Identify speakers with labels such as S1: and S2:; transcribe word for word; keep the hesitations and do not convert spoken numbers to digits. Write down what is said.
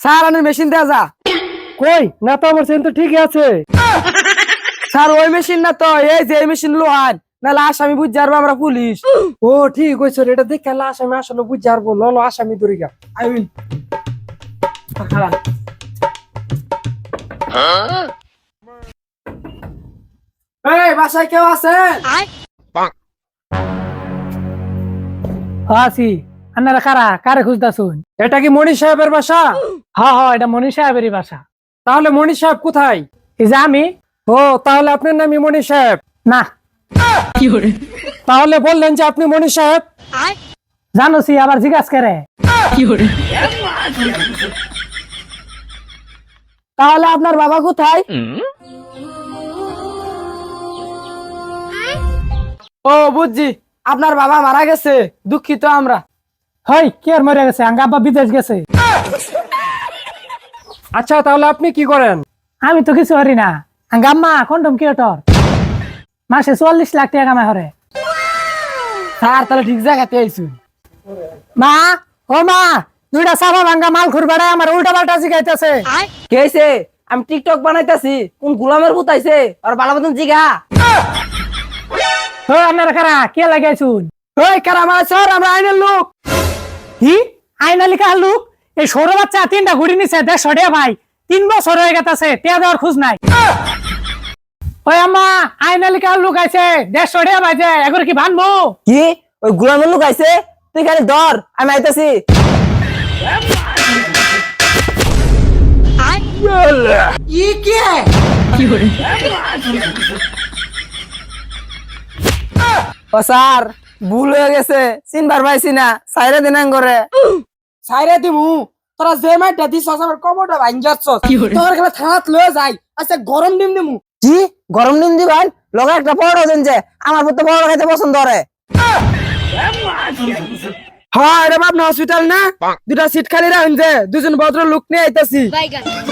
S1: Sir আমি machine দেয়া যা।
S2: কই না তো আমার চেন তো ঠিকই আছে।
S1: স্যার ওই মেশিন না তো, এই যে এই মেশিন লোহার, না লাশ আমি বুঝ যাবো আমরা পুলিশ।
S2: ও ঠিক হয়েছে, এটা দেখে লাশ আমি আসলে বুঝ যাবো। ললো আসামি ধরি গা।
S1: I will. এই বাসায় কেউ আছেন?
S3: আছি। আপনারা কারা কারে খুঁজতাছুন?
S2: এটা কি মনির সাহেবের বাসা?
S3: হ্যাঁ হ্যাঁ, এটা মনীষ সাহেবেরই বাসা।
S2: তাহলে মনির সাহেব কোথায়?
S3: এই যে আমি।
S2: ও তাহলে আপনার নামই মনির সাহেব?
S3: না।
S2: তাহলে বললেন যে আপনি মনির সাহেব?
S3: জানোছি আবার জিজ্ঞাস করে।
S1: তাহলে আপনার বাবা কোথায়? ও বুঝছি, আপনার বাবা মারা গেছে, দুঃখিত আমরা।
S3: হই কে আর মরে গেছে? আঙ্গা আব্বা বিদেশ গেছে।
S2: আচ্ছা তাহলে আপনি কি করেন?
S3: আমি তো কিছু পারি না। আঙ্গা আম্মা কন্ডম ক্রিয়েটর, মাসে চুয়াল্লিশ লাখ টাকা কামাই হরে।
S1: স্যার তাহলে ঠিক জায়গাতে আইছুন।
S3: মা ও মা, দুইটা সাফা ভাঙ্গা মাল খুরবাড়ায় আমার উল্টা পাল্টা জিগাইতেছে।
S1: কে হইছে? আমি টিকটক বানাইতাছি, কোন গোলামের পুতাইছে আর বালা মতন জিগা।
S3: ও আপনারা কারা কে লাগাইছুন?
S1: ওই কারামা স্যার, আমরা আইনের লোক।
S3: কি আইনালি কার লোক? এই সৌর বাচ্চা তিনটা ঘুরি নিছে দেড়শো টাকা ভাই, তিন বছর হয়ে গেছে টেয়া দেওয়ার খোঁজ নাই। ওই আম্মা আইনালি কার লোক আইছে দেড়শো টাকা ভাই, যে এগুলো কি ভানবো?
S1: কি ওই গোলামের লোক আইছে? তুই খালি ধর, আমি আইতাছি। ও স্যার ভুল হয়ে গেছে, চিনবার পাইছি না, সাইরে দিন করে সাইরে দিমু। তোরা যে মাইটা দিছ আমার কমরটা ভাঙ যাচ্ছ, তোর খেলা থানাত লয়ে যাই। আচ্ছা গরম ডিম দিমু। কি গরম ডিম দিবেন? লগে একটা বড় দেন, যে আমার পুত্র বড় খাইতে পছন্দ করে। হ্যাঁ এটা আপনার হসপিটাল না? দুটা সিট খালি রাখুন, যে দুজন ভদ্র লোক নিয়ে আইতাছি।